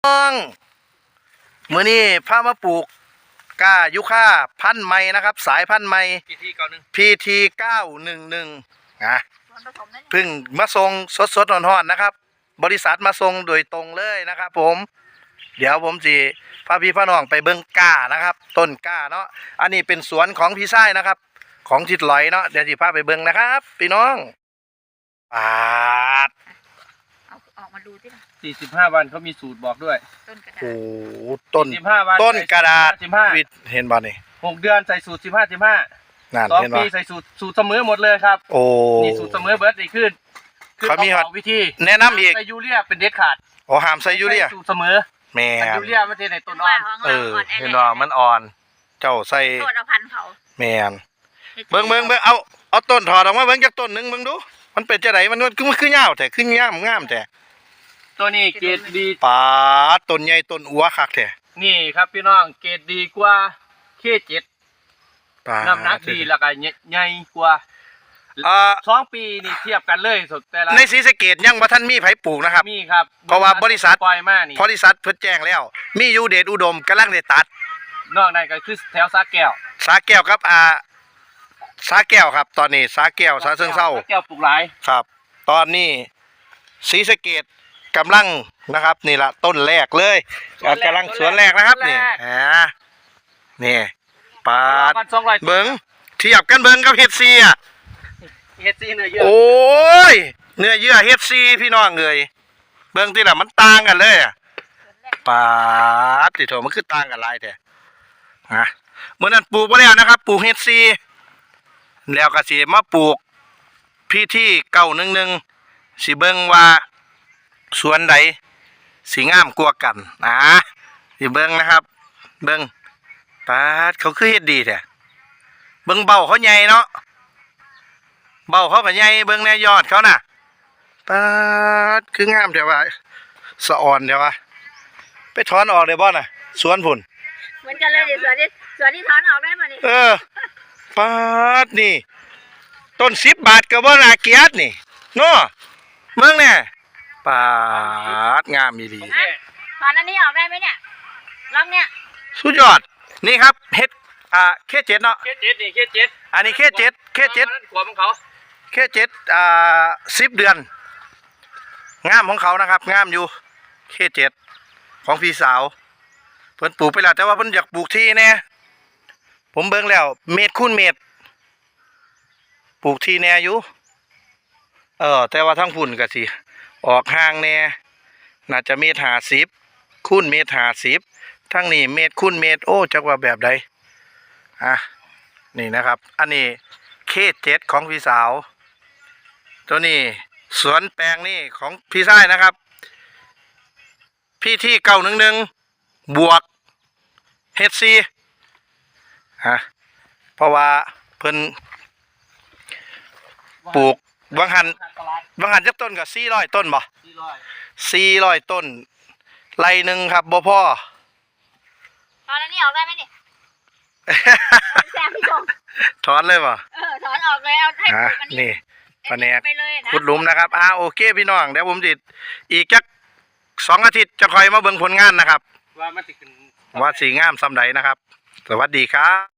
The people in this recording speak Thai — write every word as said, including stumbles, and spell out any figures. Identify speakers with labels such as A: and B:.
A: องมื้อนี้พามาปลูกกล้ายุค่าพันธุ์ใหม่นะครับสายพันธุ์ใหม่
B: พี ที เก้าหนึ่ง
A: พี ที เก้าหนึ่งหนึ่ง นะเพิ่งมาส่งสดๆร้อนๆนะครับบริษัทมาส่งโดยตรงเลยนะครับผมเดี๋ยวผมสิพาพี่พาน้องไปเบิ่งกล้านะครับต้นกล้าเนาะอันนี้เป็นสวนของพี่ชายนะครับของทิดลอยเนาะเดี๋ยวสิพาไปเบิ่งนะครับพี่น้องปาด
C: เอาออกมาดูที่
B: สี่สิบห้าวันเขามีสูตรบอกด้วย
C: ต้นกระดา
A: โอ้
C: ษ
A: ต้น
B: สิบห้าวัน
A: ต้นกระดาษ
B: สิบห้า
A: วิทย์เห็นบ่นี่
B: หกเดือนใส่สูตรสิบห้าสิบห้า
A: นั่น
B: สอง
A: เห็น
B: ปี
A: บ่
B: ใส่สูตรสูตรเสมอหมดเลยครับ
A: โอ้
B: นี่สูตรเสมอเบิร์ดนี่ขึ้นคือ
A: เขามี
B: บ
A: ฮอ
B: อ
A: ด
B: กวิธี
A: แนะนำอีก
B: ใส่ยูเรียเป็นเด็ดขาด
A: โอ้หามใส่ยูเรีย
B: ใส่สูตรเสมอ
A: แม่
B: ใส่
A: น
B: ยูเรียมันจะในต้นอ่อน
A: เออเห็นบ่มันอ่อน เจ้าใส่
C: โทษเอาพันเขา
A: แม่นเบิ่งเบิ่งเบิ่งเอาเอาต้นถอดออกมาเบิ่งจักต้นหนึงเบิ่งดูมันเป็นจังไดมันมันคือมันคือยาวแต่คืองามงามแต่
B: ตัวนี้เกรดดี
A: ปาดต้นใหญ่ต้นอัวคักแท้
B: นี่ครับพี่น้องเกรดดีกว่าเคเจ็ด
A: ปาด
B: น้ำหนักดีแล้วก็ใหญ่กว่า
A: อ่า
B: สองปีนี่เทียบกันเลยสุดแต่ละ
A: ในศรีสะเกษยังบ่ทันมีไผปลูกนะครับ
B: มีครับ
A: เพราะว่าบริษัท
B: ปล่อยมานี่
A: บริษัทเพิ่นแจ้งแล้ว มีอยู่เดชอุดมกำลังได้ตัด
B: นอกนั้นก็คือแถวสาแก้ว
A: สาแก้วครับอ่าสาแก้วครับ ตอนนี้สาแก้วสาเชิงเซา
B: สแก้วปลูกหลาย
A: ครับ ตอนนี้ศรีสะเกษกำลังนะครับนี่ละต้นแรกเลยกำลังสวนแรกนะครับนี่อ่านี่ปาด
B: พันสองร้อย
A: เบิ้งเทียบกันเบิ้งกับเฮดซีอ่ะ
B: เฮดซีเนื้อเยอะ
A: โอ้ยเนื้อเยื่อเฮดซีพี่น้องเลยเบิ้งที่ละมันต่างกันเลยอ่ะปาดติโถมันคือต่างกันหลายแต่ฮะเมื่อนั้นปลูกไปแล้วนะครับปลูกเฮดซีแล้วก็สิมาปลูกพี่ที่เก้าหนึ่งหนึ่งสิเบิ้งว่าสวนใดสีงามกว่ากันนะสิเบิ้งนะครับ เบิ้งปาดเขาคือเฮ็ดดีแท้เบิ้งเบาเขาใหญ่เนาะเบาเขาก็ใหญ่เบิ้งแน่ยอดเขาน่ะปาดคืองามแต่ว่าสะอ่อนแต่ว่าไปถอนออกเลยบ่น่ะสวนพุ่น
C: เหมือนกันเลยดิสวนที่สวนที่ถอนออกได้มานี่
A: เออปาดนี่ต้นสิบบาทก็บ่น่าเกลียดนี่เนาะเบิ่งแน่ปาดงามอีหลี
C: ฮะถอนอันนี้ออกได้ไหมเนี่ยลองเนี่ย
A: สุดยอดนี่ครับเฮ็ดอ่าเคเจ็ดเนาะ
B: เคเจ็ดนี่เคเจ็ด
A: อันนี้เคเจ็ดเคเจ็ด
B: ขวบของเขา
A: เคเจ็ดอ่าสิบเดือนงามของเขานะครับงามอยู่เคเจ็ดของพี่สาวเพิ่นปลูกไปแล้วแต่ว่าเพิ่นอยากปลูกที่แน่ผมเบิ่งแล้วเมตรคูณเมตรปลูกที่แน่อยู่เออแต่ว่าทั้งพุ่นก็สิออกห่างแน่น่าจะเมตรห้าสิบคูณเมตรห้าสิบทั้งนี้เมตรคูณเมตรโอ้จักว่าแบบใดอ่ะนี่นะครับอันนี้เคเจ็ดของพี่สาวตัวนี้สวนแปลงนี่ของพี่ชายนะครับพี่ที่เก้าหนึ่งหนึ่งบวกเฮดซีฮะเพราะว่าเพิ่นปลูกบางหันบางหันจักต้นกับสี่ร้อยต้นบ่
B: สี่ร้อย
A: สี่ร้อยต้นไรหนึ่งครับบ่พ่อ
C: ถอนอันนี้ออกได้ไหมนี่แซมพี่ชม
A: ถอนเลยบ่
C: เออถอนออกเลยเอาให้ป
A: อ่ะ
C: ลูกอันนี้
A: นี่ปะแนก
C: ไปเลยนะ
A: ขุดหลุมนะครับอ่าโอเคพี่น้องเดี๋ยวผมจิอีกจักสองอาทิตย์จะคอยมาเบิ่งผลงานนะครับ
B: ว่ามันติดขึ้น
A: ว่าสีงามซำใดนะครับ สวัสดีครับ